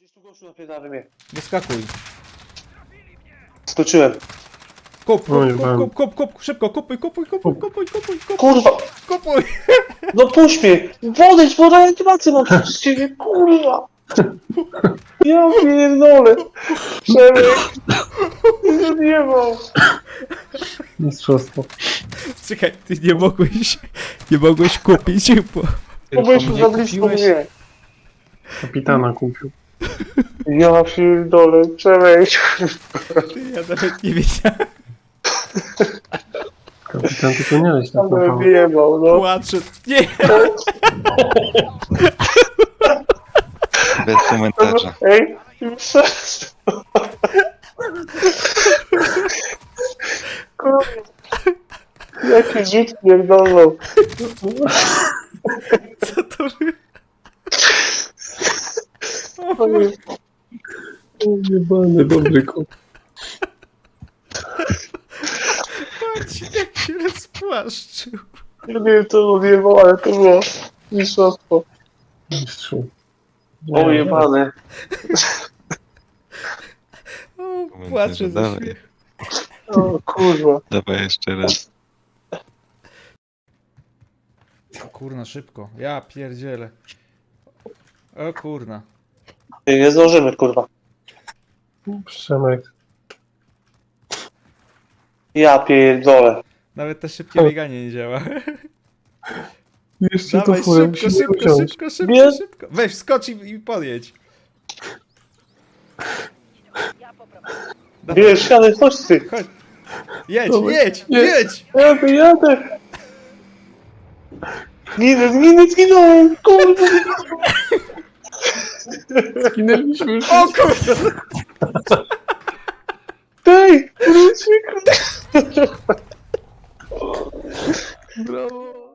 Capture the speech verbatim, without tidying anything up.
Gdzieś tu gościu napierdala mnie. Wyskakuj. Skoczyłem. Kup, Oj, kup, mam. kup, kup, kup, kup, szybko, kupuj, kupuj, kupuj, kupuj, kupuj, kupuj, Kurwa! kupuj. No puść mnie! Podejdź, bo reanimację mam przez ciebie, kurwa! Ja pierdolę! Przemek! Nie zjebał! Mistrzostwo. Czekaj, ty nie mogłeś, nie mogłeś kupić, bo... Bo byliśmy za blisko mnie. Kapitana kupił. Ja pierdolę, Przemek! Ja nawet nie wiedziałem. Kapitan, ty powinieneś tak Ale naprawdę. wyjebał, no. Płaczę. Nie! Bez komentarza. Ej, przecież... Kurwa. Jaki rzut pierdolą. Co to było? Jebany, dobry kot. Patrz, jak się rozpłaszczył. Nie wiem, co odjebał, ale to było mistrzostwo. Mistrzu. O, jebane. O, Komentarze płaczę ze dalej. śmiechu. O, kurwa. Dawaj jeszcze raz. O kurna, szybko. Ja pierdzielę. O kurna. Nie, nie zdążymy, kurwa. Przemek. Ja pierdolę. Nawet to szybkie bieganie nie działa. Jeszcze Dawaj, to furę szybko, musimy szybko, usiąść. szybko, szybko, Nie. szybko. Weź, skocz i, i podjedź. Dawaj, Wiesz, jadę, chodź ty. chodź. Jedź, Dawaj. jedź, Nie. jedź! Jadę, jadę. Zginę, zginę, zginąłem, kurwa. Zginęliśmy już. O kurwa! Ej, wróć mi, kurwa. Brawo.